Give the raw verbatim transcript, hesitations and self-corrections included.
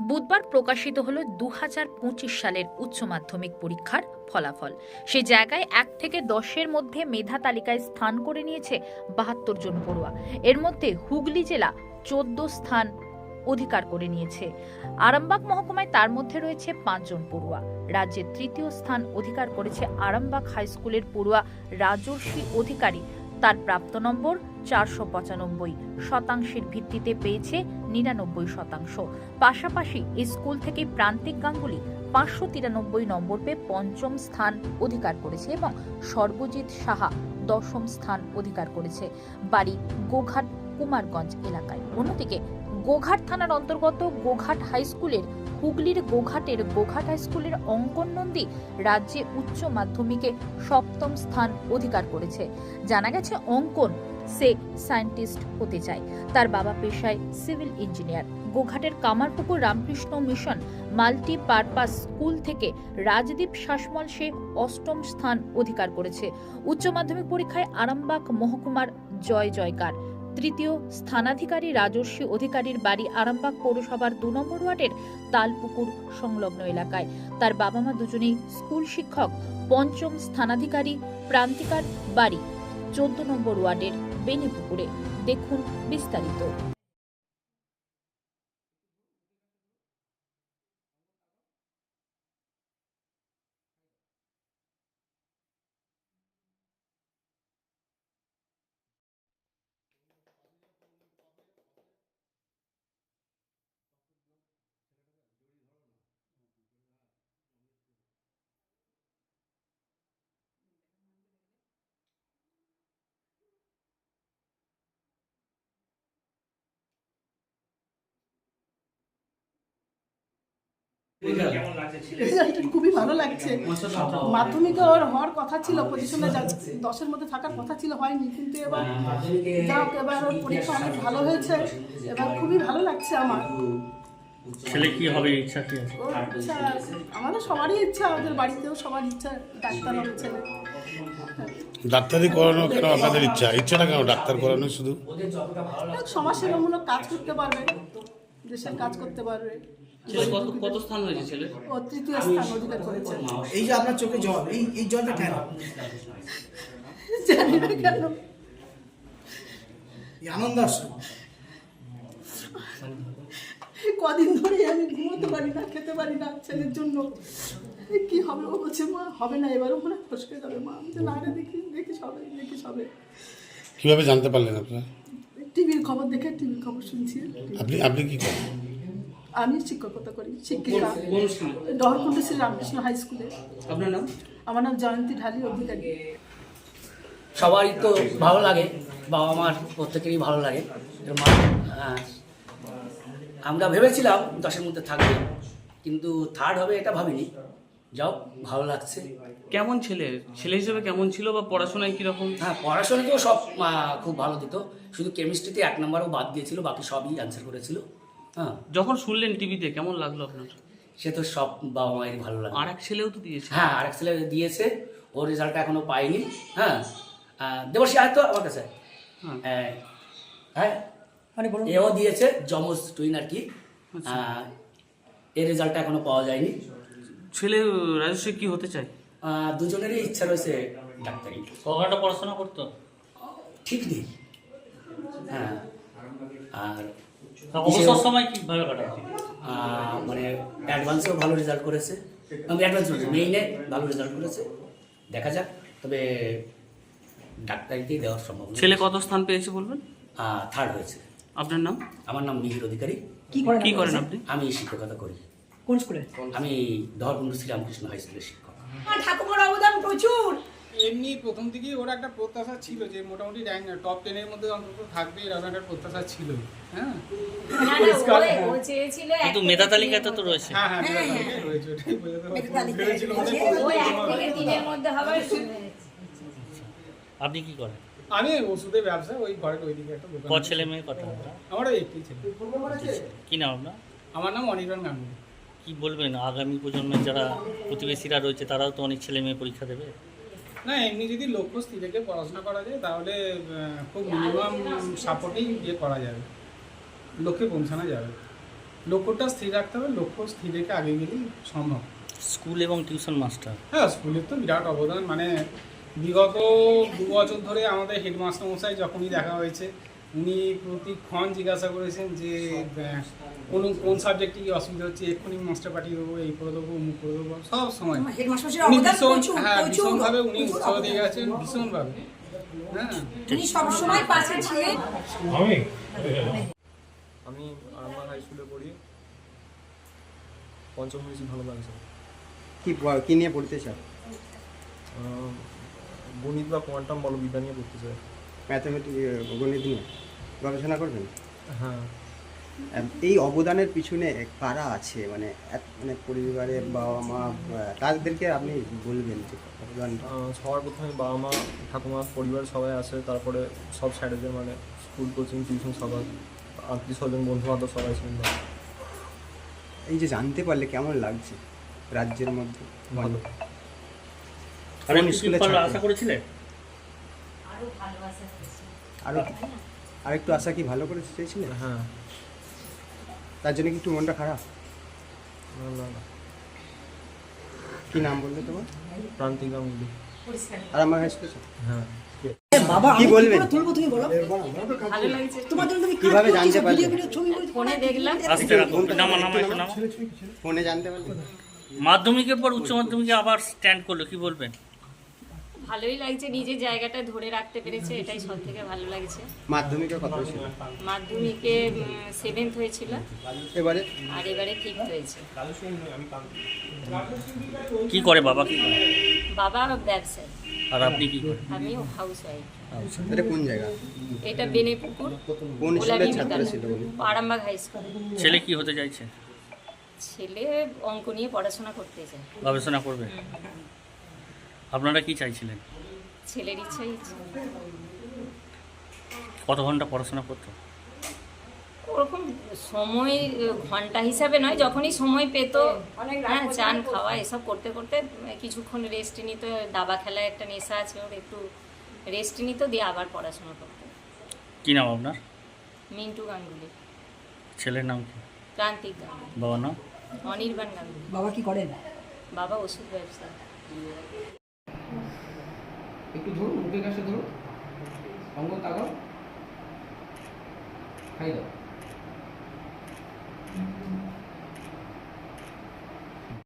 বুধবার প্রকাশিত হলো দু হাজার পঁচিশ সালের উচ্চ মাধ্যমিক পরীক্ষার ফলাফল। সে জায়গায় এক থেকে দশের মধ্যে মেধা তালিকায় স্থান করে নিয়েছে বাহাত্তর জন পড়ুয়া। এর মধ্যে হুগলি জেলা চোদ্দ স্থান অধিকার করে নিয়েছে। আরামবাগ মহকুমায় তার মধ্যে রয়েছে পাঁচজন পড়ুয়া। রাজ্যের তৃতীয় স্থান অধিকার করেছে আরামবাগ হাই স্কুলের পড়ুয়া রাজর্ষি অধিকারী। তার প্রাপ্ত নম্বর চারশো পঁচানব্বই, শতাংশের ভিত্তিতে পেয়েছে নিরানব্বই শতাংশ। পাশাপাশি এই স্কুল থেকে প্রান্তিক গাঙ্গুলি পাঁচশো তিরানব্বই নম্বর পেয়ে পঞ্চম স্থান অধিকার করেছে এবং সর্বজিৎ সাহা দশম স্থান অধিকার করেছে। বাড়ি গোঘাট কুমারগঞ্জ এলাকায়। অন্যদিকে গোঘাট থানার অন্তর্গত গোঘাট হাই স্কুলের হুগলির গোঘাটের গোঘাট হাই স্কুলের অঙ্কন নন্দী রাজ্যে উচ্চ মাধ্যমিকে সপ্তম স্থান অধিকার করেছে। জানা গেছে অঙ্কন সে সায়েন্টিস্ট হতে চায়। তার বাবা পেশায় সিভিল ইঞ্জিনিয়ার। গোঘাটের Kamarpukur Ramakrishna mission multipurpose school থেকে রাজদীপ শাসমল সে অষ্টম স্থান অধিকার করেছে। উচ্চ মাধ্যমিক পরীক্ষায় আরামবাগ মহকুমার জয় জয়কার। তৃতীয় স্থানাধিকারী রাজর্ষি অধিকারীর বাড়ি আরামবাগ পৌরসভার দু নম্বর ওয়ার্ডের তালপুকুর সংলগ্ন এলাকায়। তার বাবা মা দুজনেই স্কুল শিক্ষক। পঞ্চম স্থানাধিকারী প্রান্তিকার বাড়ি চোদ্দ নম্বর ওয়ার্ডের বেনিপুকুরে। দেখুন বিস্তারিত। খুবই ভালো লাগছে। মাধ্যমিকে ওর হওয়ার কথা ছিল, পজিশনে দশের মধ্যে থাকার কথা ছিল, হয়নি, কিন্তু এবার যাও এবার ওর পরীক্ষা অনেক ভালো হয়েছে। এবার খুবই ভালো লাগছে আমার। ছেলে কি হবে ইচ্ছা কি আছে? ইচ্ছা আমাদের সবারই ইচ্ছা, আমাদের বাড়িতেও সবার ইচ্ছা ডাক্তার হবে ছেলে। ডাক্তারি করানো কেন আপনাদের ইচ্ছা? ইচ্ছাটা কেন ডাক্তার করানো? শুধু সমাজসেবামূলক কাজ করতে পারবে, দেশের কাজ করতে পারবে। কত কত স্থান হয়েছে ছেলে? ও তৃতীয় স্থান অধিকার করেছে। এই যে আপনার চোখে জল, এই এই জলটা কেন জানি না কেন, এই আনন্দ আসছে। কদিন ধরে আমি ঘুমোতে পারি না, খেতে পারি না ছেলের জন্য। কি হবে? ও বলছে মা হবে না, এবারও মনে ফসকে যাবে। মা আমি না রে, দেখি দেখিস হবে, দেখিস হবে। কিভাবে জানতে পারলেন আপনারা? টিভির খবর দেখে, টিভির খবর শুনছি। আপনি আপনি কি করেন? আমি শিক্ষকতা করি, শিক্ষিকা, ডহরকুণ্ড শ্রী রামকৃষ্ণ হাই স্কুলে। আপনার নাম? আমার নাম জয়ন্তী ঢালি অধিকারী। সবারই তো ভালো লাগে, বাবা মার প্রত্যেকেরই ভালো লাগে। আমরা ভেবেছিলাম দশের মধ্যে থাকবে, কিন্তু থার্ড হবে এটা ভাবিনি। যাও, ভালো লাগছে। কেমন ছেলে ছেলে হিসেবে কেমন ছিল বা পড়াশোনায় কিরকম? হ্যাঁ, পড়াশোনাতেও সব খুব ভালো দিত, শুধু কেমিস্ট্রিতে এক নম্বরও বাদ দিয়েছিল, বাকি সবই অ্যান্সার করেছিল। হ্যাঁ, যখন শুনলেন টিভিতে কেমন লাগলো আপনার? সে তো সব বাবা মায়ের ভালো লাগে। আর এক ছেলেও তো দিয়েছে। হ্যাঁ, আরেক ছেলে দিয়েছে, ওর রেজাল্টটা এখনো পাইনি। হ্যাঁ, দেবশ্রী আয় তো আমার কাছে। হ্যাঁ হ্যাঁ, মানে এও দিয়েছে, যমজ টুইন আর কি। এর রেজাল্টটা এখনো পাওয়া যায়নি। ছেলে রাজস্বী কি হতে চায়? দুজনেরই ইচ্ছা রয়েছে ডাক্তারি। কটা পড়াশোনা করতো ঠিক নেই। হ্যাঁ, আর অবসর সময় কিভাবে কাটায়? মানে অ্যাডভান্সেও ভালো রেজাল্ট করেছে, অ্যাডভান্স মেইনে ভালো রেজাল্ট করেছে। দেখা যাক, তবে ডাক্তারিতেই দেওয়ার সম্ভব। ছেলে কত স্থান পেয়েছে বলবেন? থার্ড হয়েছে। আপনার নাম? আমার নাম মিহির অধিকারী। কি করেন কি করেন আপনি? আমি শিক্ষকতা করি। কোন স্কুলে? আমি ধরকুণ্ড শ্রীরামকৃষ্ণ হাই স্কুলের শিক্ষক। ঠাকুমার অবদান প্রচুর। এমনি প্রথম থেকেই ওর একটা প্রত্যাশা ছিল যে মোটামুটি র্যাঙ্ক টপ টেনের মধ্যে অন্তত থাকবে, এরকম একটা প্রত্যাশা ছিল। হ্যাঁ, কিন্তু মেধা তালিকাতে তো রয়েছে। হ্যাঁ হ্যাঁ রয়েছে, ওটাই আপনি কি করেন? আমি ওষুধের ব্যবসা, ওই ঘরের ওইদিকে একটা দোকান। কত ছেলে মেয়ে কথা? আমার ওই একটি ছেলে। কি নাম আপনার? আমার নাম অনির্বাণ গাঙ্গুলি। কি বলবেন আগামী প্রজন্মের যারা প্রতিবেশীরা রয়েছে তারাও তো অনেক ছেলে মেয়ে পরীক্ষা দেবে? না, এমনি যদি লক্ষ্য স্থির রেখে পড়াশোনা করা যায় তাহলে খুব মিনিমাম সাপোর্টেই ইয়ে করা যাবে, লক্ষ্যে পৌঁছানো যাবে। লক্ষ্যটা স্থির রাখতে হবে, লক্ষ্য স্থির রেখে আগে গেলেই সম্ভব। স্কুল এবং টিউশন মাস্টার হ্যাঁ, স্কুলের তো বিরাট অবদান। মানে বিগত দু বছর ধরে আমাদের হেডমাস্টার মশাই যখনই দেখা হয়েছে, উনি প্রতিক্ষণ জিজ্ঞাসা করেছেন যে আহ, কোন কোন সাবজেক্টে কি অসুবিধা হচ্ছে, এক্ষুনি মাস্টার পাঠিয়ে দেবো, এই করে দেবো, মুখ করে দেবো, সব সময় হেডমাস্টারের উনি অবদান ভীষণ, প্রচুর, হ্যাঁ প্রচুর, ভীষণভাবে উনি প্রচুর উৎসাহ অবদান। দিয়ে গেছেন, ভীষণভাবে। হ্যাঁ, উনি সবসময় পাশে ছিলেন। আমি আরামবাগ হাই স্কুলে পড়ি, পঞ্চম হয়েছি, ভালো লাগছে। কি প- কি নিয়ে পড়তে চাও? আহ, গণিত বা কোয়ান্টাম বলবিদ্যা নিয়ে পড়তে চাই। ম্যাথামেটিক গণিত নিয়ে গবেষণা করবেন? হ্যাঁ, আহ, এই অবদানের পিছনে কারা আছে, মানে এক- মানে পরিবারের বাবা মা, আহ, তাদেরকে আপনি বলবেন যে অবদানটা। আহ, সবার প্রথমে বাবা মা, ঠাকুমা, পরিবার সবাই আছে, তারপরে সব স্যারেদের, মানে স্কুল, কোচিং, টিউশন সবার, আত্মীয় স্বজন, বন্ধু বান্ধব সবাই ছিলেন। এই যে জানতে পারলে কেমন লাগছে রাজ্যের মধ্যে? ভালো। আর কোন একটু স্কুলে কি ফল ছাত্র? আশা করেছিলে? আরো আর একটু আশা কি ভালো করে চেয়েছিলেন? হ্যাঁ, তার জন্য কি একটু মনটা খারাপ? না না না, কি নাম বললে তোমার? প্রান্তিকা মিলি। আর আমার হাই স্কুল? হ্যাঁ, বাবা কি আমি বলবেন? করে তুলবো, তুমি বলো। ভালো লাগছে। তোমার জন্য তুমি কিভাবে কাজ জানতে করছো, পারলে? ভিডিও ভিডিও ছবি করে ফোনে দেখলাম। আস্তে রাখো, নামা নামা একটু নামা। ফোনে জানতে পারলে? মাধ্যমিকের পর উচ্চ মাধ্যমিকে আবার স্ট্যান্ড করলো, কি বলবেন? ভালোই লাগছে, নিজের জায়গাটা ধরে রাখতে পেরেছে, এটাই সব থেকে ভালো লাগছে। মাধ্যমিকে কত ছিল? মাধ্যমিকে সেভেন্থ হয়েছিল, এবারে আর এবারে ফিফথ হয়েছে। কি করে বাবা, কি করে? বাবা ব্যবসায়ী, আর আপনি কি করেন? আমি হাউস ওয়াইফ। এটা কোন জায়গা? এটা বেনেপুকুর, কোন স্কুলের ছাত্র ছিল উনি? Arambagh high school. ছেলে কি হতে চাইছে? ছেলে অঙ্ক নিয়ে পড়াশোনা করতে চায়। গবেষণা করবে? আপনারা কি চাইছিলেন? ছেলের ইচ্ছাই ইচ্ছে। কত ঘন্টা পড়াশোনা করতো? ওরকম সময় ঘন্টা হিসাবে নয়, যখনই সময় পেত, হ্যাঁ চান খাওয়া এসব করতে করতে কিছুক্ষণ রেস্ট নিত। দাবা খেলায় একটা নেশা আছে ওর, একটু রেস্ট নিত, দিয়ে আবার পড়াশোনা করতো। কি নাম আপনার? মিন্টু গাঙ্গুলি। ছেলের নাম কি? প্রান্তিক গাঙ্গুলি। বাবার নাম? অনির্বাণ গাঙ্গুলি। বাবা কি করেন? বাবা ওষুধ ব্যবসা। একটু ধরুন, মুখের কাছে ধরুন, অঙ্গ তাকাও, খাই দাও।